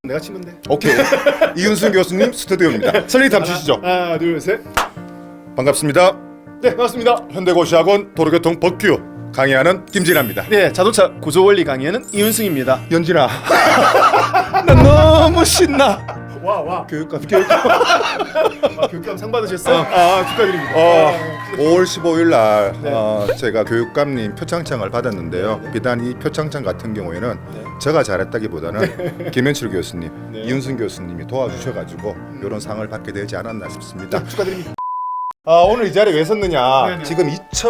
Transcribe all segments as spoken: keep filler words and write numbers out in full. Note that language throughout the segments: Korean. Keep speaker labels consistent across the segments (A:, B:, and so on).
A: 내가 치면 돼.
B: 오케이. 이윤승 교수님 스튜디오입니다. 설리담 주시죠.
A: 하나, 둘, 셋.
B: 반갑습니다.
A: 네, 반갑습니다.
B: 현대고시학원 도로교통 법규 강의하는 김진아입니다.
A: 네, 자동차 구조 원리 강의하는 이윤승입니다.
B: 연진아, 나 너무 신나.
A: 와, 와.
B: 교육감, 교육감.
A: 아, 교육감 상 받으셨어요? 아, 축하드립니다.
B: 어,
A: 아,
B: 오월 십오일 날
A: 네.
B: 어, 제가 교육감님 표창장을 받았는데요.
A: 네.
B: 비단 이 표창장 같은 경우에는
A: 네.
B: 제가 잘했다기보다는 김현철 교수님,
A: 네.
B: 이윤승 교수님이 도와주셔가지고 이런 상을 받게 되지 않았나 싶습니다.
A: 네, 축하드립니다.
B: 아, 오늘 이 자리에 왜 섰느냐?
A: 네네.
B: 지금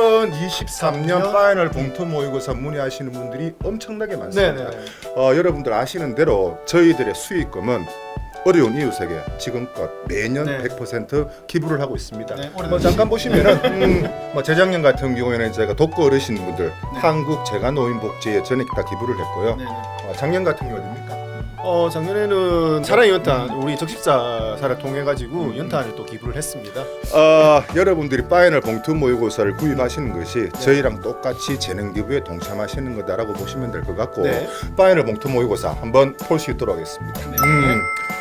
B: 이천이십삼 년
A: 년?
B: 파이널 봉투 모의고사 문의하시는 분들이 엄청나게 많습니다.
A: 네네.
B: 어, 여러분들 아시는 대로 저희들의 수익금은 어려운 이웃에게 지금껏 매년
A: 네.
B: 백 퍼센트 기부를 하고 있습니다.
A: 네, 올해도
B: 뭐 잠깐 보시면은 음, 뭐 재작년 같은 경우에는 제가 독거 어르신분들
A: 네.
B: 한국 재가노인복지에 전액 다 기부를 했고요.
A: 네네.
B: 어, 작년 같은 경우 어딥니까?
A: 어, 작년에는 사랑의 연탄 우리 적십자사를 통해 가지고 연탄을 또 기부를 했습니다.
B: 어, 여러분들이 파이널 봉투 모의고사를 구입하시는 것이 저희랑 똑같이 재능 기부에 동참하시는 거다라고 보시면 될 것 같고
A: 네.
B: 파이널 봉투 모의고사 한번 볼 수 있도록 하겠습니다.
A: 네.
B: 음,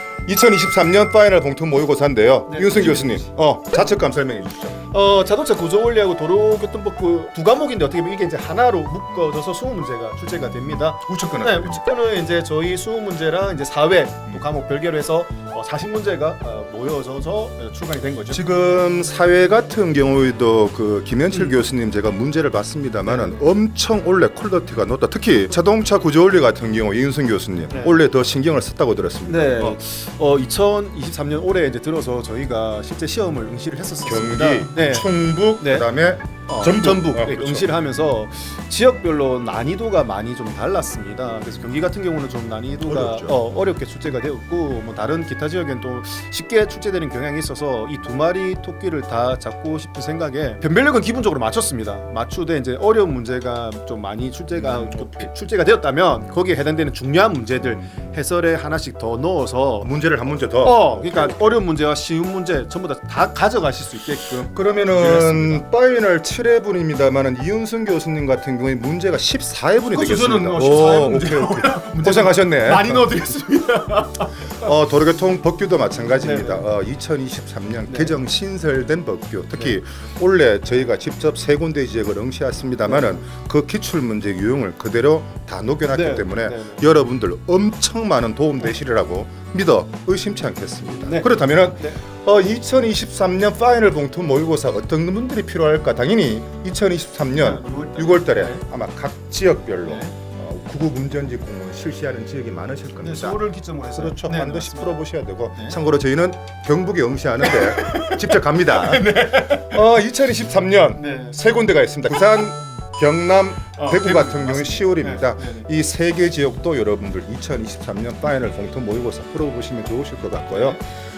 B: 이천이십삼 년 파이널 봉투 모의고사인데요.
A: 네.
B: 윤승 교수님, 어, 자책감 설명해 주시죠.
A: 어, 자동차 구조 원리하고 도로교통법규 두 과목인데 어떻게 보면 이게 이제 하나로 묶어져서 수능 문제가 출제가 됩니다.
B: 우측근은
A: 네, 우측권은 이제 저희 수능 문제랑 이제 사회 또 과목 별개로 해서 어, 사십 문제가 어, 모여져서 출간이 된 거죠.
B: 지금 사회 같은 경우에도 그 김현철
A: 음.
B: 교수님 제가 문제를 봤습니다만은 엄청 원래 퀄리티가 높다. 특히 자동차 구조 원리 같은 경우 이윤승 교수님
A: 네.
B: 원래 더 신경을 썼다고 들었습니다.
A: 네,
B: 어,
A: 어, 이천이십삼 년 올해 이제 들어서 저희가 실제 시험을 응시를 했었습니다.
B: 경기,
A: 네.
B: 충북,
A: 네.
B: 그다음에
A: 어,
B: 전북,
A: 전북
B: 어,
A: 네,
B: 그렇죠.
A: 응시를 하면서 지역별로 난이도가 많이 좀 달랐습니다. 그래서 경기 같은 경우는 좀 난이도가
B: 어렵죠.
A: 어, 어렵게 출제가 되었고 뭐 다른 기타 지역엔 또 쉽게 출제되는 경향이 있어서 이 두 마리 토끼를 다 잡고 싶은 생각에 변별력은 기본적으로 맞췄습니다. 맞추되 이제 어려운 문제가 좀 많이 출제가
B: 음,
A: 좀
B: 오케이.
A: 출제가 되었다면 거기에 해당되는 중요한 문제들 해설에 하나씩 더 넣어서
B: 문제를 한 문제 더.
A: 어 그러니까 어려운 문제와 쉬운 문제 전부 다 다 가져가실 수 있게끔
B: 그러면은
A: 그렇습니다.
B: 파이널 칠 회분입니다만은 이윤승 교수님 같은 경우에 문제가 십사 회분이
A: 그렇죠.
B: 되겠습니다.
A: 저는 뭐 십사 회분
B: 오,
A: 문제
B: 오케이, 오케이. 고생하셨네.
A: 많이 넣어드리겠습니다.
B: 어, 도로교통 법규도 마찬가지입니다.
A: 네네.
B: 어, 이천이십삼 년
A: 네.
B: 개정 신설된 법규, 특히 원래 저희가 직접 세 군데 지역을 응시했습니다만은 그 기출 문제 유형을 그대로 다 녹여놨기
A: 네.
B: 때문에
A: 네네.
B: 여러분들 엄청 많은 도움 되시리라고 믿어 의심치 않겠습니다.
A: 네.
B: 그렇다면은
A: 네.
B: 어, 이천이십삼 년 파이널 봉투 모의고사 어떤 분들이 필요할까? 당연히 이천이십삼 년 유월 달에
A: 네.
B: 아마 각 지역별로
A: 네.
B: 어, 구급 운전지 공무원 실시하는 지역이 많으실 겁니다.
A: 네, 서울을 기점으로 해서
B: 그렇죠.
A: 네,
B: 반드시
A: 맞습니다.
B: 풀어보셔야 되고
A: 네.
B: 참고로 저희는 경북에 응시하는데 직접 갑니다.
A: 네.
B: 어, 이천이십삼 년
A: 네.
B: 세 군데가 있습니다. 부산, 경남,
A: 어,
B: 대구
A: 대구
B: 같은 경우
A: 맞습니다.
B: 시월입니다.
A: 네, 네,
B: 이 세 개 지역도 여러분들 이천이십삼 년 파이널 봉투 모의고사 풀어보시면 좋으실 것 같고요.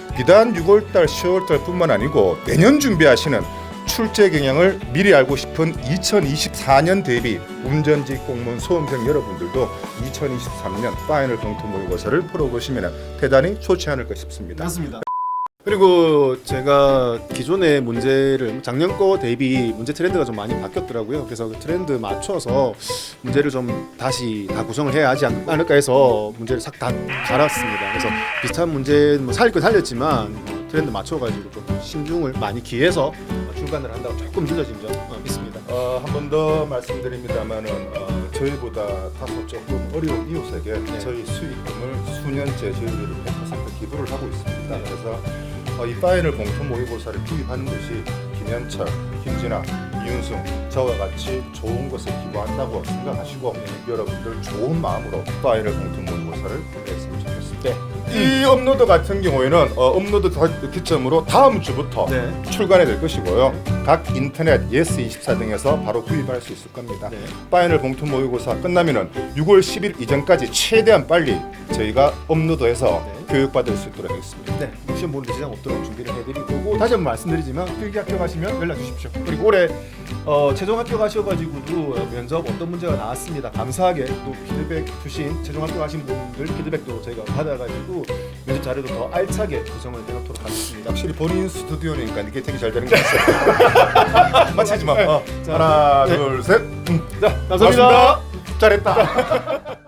B: 비단 유월 달, 시월 달뿐만 아니고 내년 준비하시는 출제 경향을 미리 알고 싶은 이천이십사 년 대비 운전지 공무원 수험생 여러분들도 이천이십삼 년 파이널 봉투 모의고사를 풀어보시면 대단히 좋지 않을까 싶습니다.
A: 맞습니다. 그리고 제가 기존의 문제를 작년 거 대비 문제 트렌드가 좀 많이 바뀌었더라고요. 그래서 그 트렌드 맞춰서 문제를 좀 다시 다 구성을 해야 하지 않- 않을까 해서 문제를 싹 다 갈았습니다. 그래서 비슷한 문제 뭐 살릴 건 살렸지만 트렌드 맞춰가지고 좀 신중을 많이 기해서 출간을 한다고 조금 늦어진 점 어, 있습니다.
B: 어, 한 번 더 말씀드립니다만은 어, 저희보다 다소 조금 어려운 이웃에게
A: 네.
B: 저희 수익금을 수년째 저희들이 백 퍼센트 기부를 하고 있습니다.
A: 네.
B: 그래서 어, 이 파이널 봉투 모의고사를 기입하는 것이 김현철, 김진아, 이윤승 저와 같이 좋은 것을 기부한다고 생각하시고 여러분들 좋은 마음으로 파이널 봉투 모의고사를 했으면 좋겠습니다.
A: 네.
B: 이 업로드 같은 경우에는 어, 업로드 다- 기점으로 다음 주부터
A: 네.
B: 출간이 될 것이고요. 각 인터넷 예스 이십사 등에서 바로 구입할 수 있을 겁니다.
A: 네.
B: 파이널 봉투 모의고사 끝나면은 유월 십일 이전까지 최대한 빨리 저희가 업로드해서
A: 네.
B: 교육받을 수 있도록 하겠습니다.
A: 네, 시험 보는 데 지장 없도록 준비를 해드릴 거고 다시 한번 말씀드리지만 필기 합격하시면 연락 주십시오. 그리고 올해 어, 최종 합격하셔가지고도 면접 어떤 문제가 나왔습니다. 감사하게 또 피드백 주신 최종 합격하신 분들 피드백도 저희가 받아가지고 면접 자료도 더 알차게 구성을 해놓도록 하겠습니다.
B: 확실히 본인 스튜디오니까 이게 되게 잘 되는 것 같아요. 맞히지 마. 어.
A: 자,
B: 하나,
A: 네.
B: 둘, 셋.
A: 자, 감사합니다.
B: 잘했다.